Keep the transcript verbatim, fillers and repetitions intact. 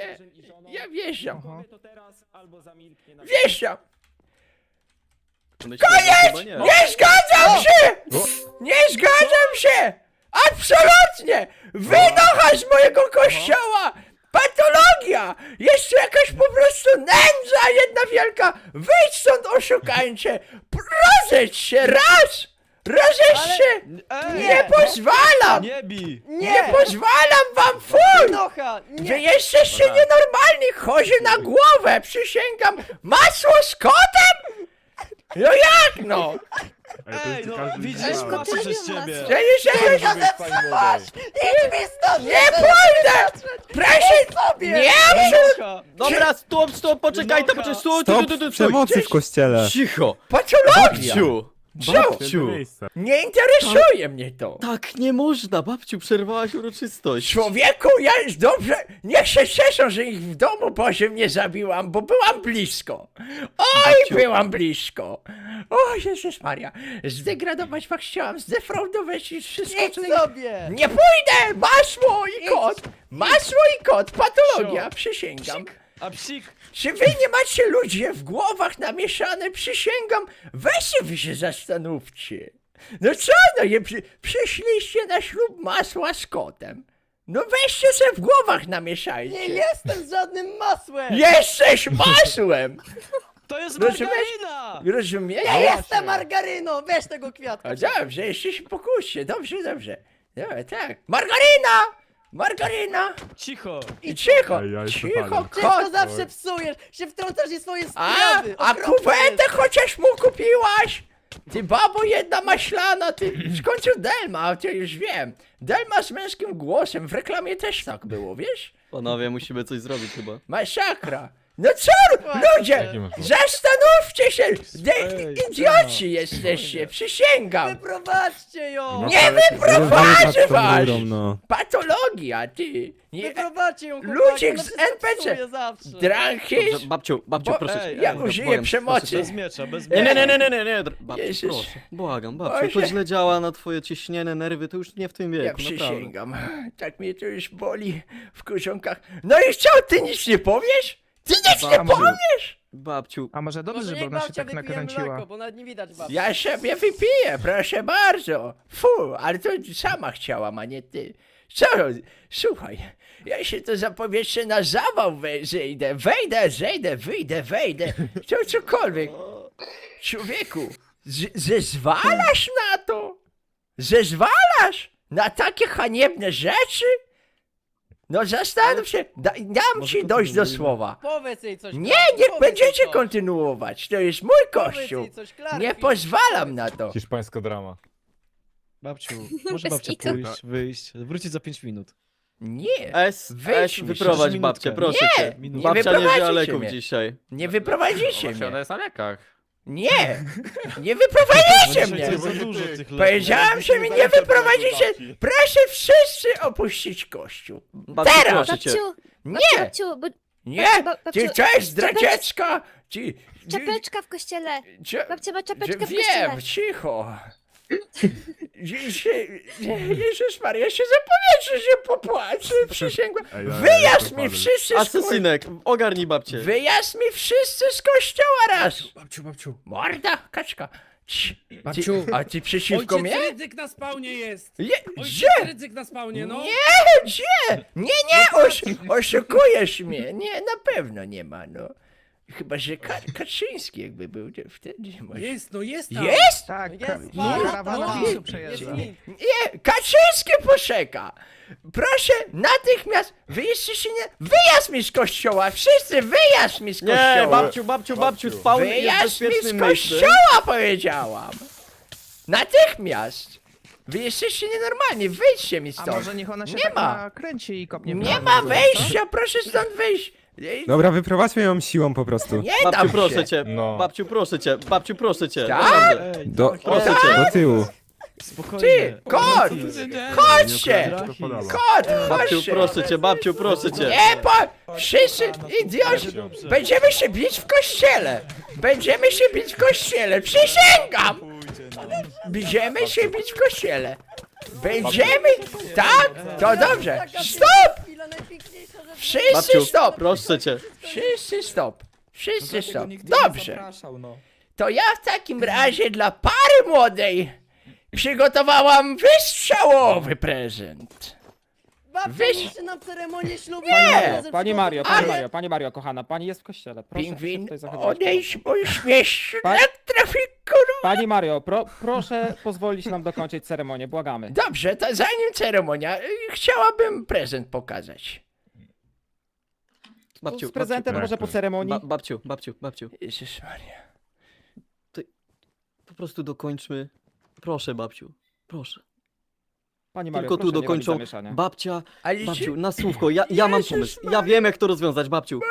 Nie, mężem i żoną. ja wjeżdżam. Powie to teraz, albo zamilknie na Wjeżdżam! Koniec! Nie. Nie zgadzam się! Nie zgadzam się! Absolutnie! Wynocha z mojego kościoła! Patologia! Jeszcze jakaś po prostu nędza jedna wielka! Wyjdź stąd, oszukańcze! Rozedź się raz! Rozedź się! Ej, Nie pozwalam! nie bij! Nie pozwalam wam, fuj! Nocha! Wy Nie! jesteście nienormalni! Chodzi na głowę, przysięgam! Masło z kotem? No jak no? Ej, no widzisz, Ej, patrzę koty przez lubią ciebie! was. Przecież ja Nocha zepsułaś! Idź mi stąd! nie pójdę! Proszę! sobie! Nie! Nocha! Dobra, stop, stop, poczekaj, to Nocha. poczekaj, stój, Stop tu, tu, tu, tu, przemocy w kościele. Cicho! Patologia! Babciu! Co? Babciu! Nie interesuje mnie to! Tak nie można, babciu, przerwałaś uroczystość. Człowieku, ja już dobrze... Niech się cieszą, że ich w domu Bożym nie zabiłam, bo byłam blisko. Oj, Babciu. byłam blisko. O, Jezus Maria. Zdegradować was chciałam, zdefraudować i wszystko, Idź co... sobie! Nie pójdę! Masło i kot! Masło i kot! Patologia, Sio. przysięgam. A psik! Czy wy nie macie ludzie w głowach namieszane? Przysięgam, weźcie wy się zastanówcie. No co no, je przy, przyszliście na ślub masła z kotem. No weźcie se w głowach namieszajcie. Nie jestem żadnym masłem! Jesteś masłem! To jest Rozumiesz? margarina! Rozumiesz? Ja jestem margaryną! Weź tego kwiatka! A dobrze, jeszcze się pokuście, dobrze, dobrze. Dobra, tak. Margarina! Margarina! Cicho! I cicho, Ej, ja jestem cicho, fanem. Wszystko kot! zawsze psujesz! Się wtrącasz w swoje A, sprawy! a Okropny kuwetę jesteś. chociaż mu kupiłaś? Ty babo jedna maślana, ty w końcu Delma, to już wiem. Delma z męskim głosem, w reklamie też tak było, wiesz? Panowie, musimy coś zrobić chyba. Masakra. No co, ludzie, Nie ma słowa. zastanówcie się, de, Ej, idioci jesteście, przysięgam. Wyprowadźcie ją! Nie wyprowadzę was! no. Patologia, ty. Nie, Wyprowadźcie ją, chłopaki, Ludzik ona z się N P C. zepsuje zawsze! Drankisz, Dobrze, babciu, babciu, Bo- proszę. Ej, cię. ja ej, użyję błagam, przemocy. Bez miecza, bez Nie, miecza. nie, nie, nie, nie, nie, nie, dr- babciu, Jezus. proszę. Błagam, babciu, to Boże. źle działa na twoje ciśnienie nerwy, to już nie w tym Ja wieku, naprawdę. przysięgam, tak mnie to już boli w korzionkach. No i co, ty nic nie powiesz? Ty nic nie Babciu. powiesz? Babciu, A może dobrze, Może bo niech ona się babcia tak wypije nakręciła. mleko, bo nawet nie widać babci. Ja sobie wypiję, proszę bardzo. Fu, ale to sama chciałam, a nie ty. Co, słuchaj, ja się to zapowietrzę na zawał we- zejdę, wejdę, zejdę, wyjdę, wejdę, to cokolwiek. Człowieku, z- zezwalasz na to? Zezwalasz na takie haniebne rzeczy? No zastanów się, da, dam Może ci to dojść do powinien- słowa. Powiedz jej coś, Nie, Clark, nie powiedz będziecie jej coś. kontynuować, to jest mój Powiedz kościół. jej coś, Clark, Nie Filip, pozwalam na to. Hiszpańska drama. Babciu, może Bez babcia kitu. pójść, wyjść, wrócić za pięć minut. Nie, S, Weź S, mi wyprowadź się babcię, minutkę. proszę Nie, cię. nie Babcia nie wyprowadzicie wzięła leków mnie. dzisiaj. nie wyprowadzicie Ona mnie. jest na lekach. Nie, nie wyprowadzicie Dzisiaj mnie. to jest za dużo tych leków. Powiedziałam, że mnie nie wyprowadzicie. Proszę wszyscy opuścić kościół. Babciu, Teraz! proszę cię. Babciu, Nie, babciu, bo nie, ba- ty babciu, to jest zdradziecka. Ty, ty, czapeczka w kościele. cio- Babcia ma że czapeczkę w kościele. wiem, cicho. Dzisiaj, Jezus Maria, ja się zapowietrzę, się popłaczę, przysięgam. Ej, ale Wyjazd to mi padł. wszyscy z kościoła. Asesynek, ogarnij babcię. Wyjazd mi wszyscy z kościoła raz. Babciu, babciu. Morda, kaczka. Cii, Babciu. Ty, a ty przeciwko mnie? Rydzyk na spawnie jest! Je, Ojciec gdzie? Rydzyk na spawnie, no! Nie, gdzie? Nie, nie, osz, oszukujesz mnie. Nie, na pewno nie ma, no. Chyba, że Ka Kaczyński jakby był, to wtedy może. Jest, no jest tam! Jest? Tak, Jest, ka- no, karawana no, PiSu jest przejeżdża. nic. Nie, Kaczyński poczeka. Proszę, natychmiast, wy jesteście nie... Wyjazd mi z kościoła, wszyscy wyjazd mi z kościoła. Nie, babciu, babciu, babciu, spawn jest Wyjazd mi z bezpiecznym miejscem. kościoła, powiedziałam. Natychmiast. Wy jesteście nienormalni, wyjdźcie mi A stąd. może niech ona się Nie tak ma. nakręci i kopnie w Nie prawo, ma co? wejścia, proszę stąd wyjść. Ej, Dobra, wyprowadźmy ją siłą po prostu. Nie Babciu, dam proszę się. cię, No. babciu, proszę cię, babciu, proszę cię. Tak? naprawdę. Ej, Do, Proszę o, cię. do tyłu. spokojnie. Ty, kot! Chodźcie! To podoba. Kot, Babciu, chodźcie! proszę cię, babciu, proszę cię. Nie, po... Wszyscy idioci! Będziemy się bić w kościele! Będziemy się bić w kościele! Przysięgam! Będziemy się bić w kościele! Będziemy... Tak? To dobrze! Stop! Boże, najpiękniejsza rzecz. Wszyscy Babciu, stop! proszę cię. Wszyscy stop! Wszyscy Dlaczego stop! nikt nie Dobrze! zapraszał, no. To ja w takim razie dla pary młodej przygotowałam wystrzałowy prezent. Babcia Weź- niszczy nam ceremonię ślubną. Nie! Pani Mario, Ale- pani Mario, pani Mario, kochana, pani jest w kościele. Proszę się Pingwin, tutaj zachowywać. odejdź, bo już mnie Pa- ślad trafi, kurwa! Pani Mario, pro, proszę pozwolić nam dokończyć ceremonię, błagamy. Dobrze, to zanim ceremonia, y, chciałabym prezent pokazać. Babciu, Z prezentem babciu, może po ceremonii. ba babciu, babciu, babciu. Jezus Maria. Po prostu dokończmy. Proszę, babciu. Proszę. Pani Mario, Tylko tu proszę nie robić dokończą. zamieszania. Babcia, Ale babciu, na słówko, ja, ja mam Jezus pomysł. Ja wiem, jak to rozwiązać, babciu.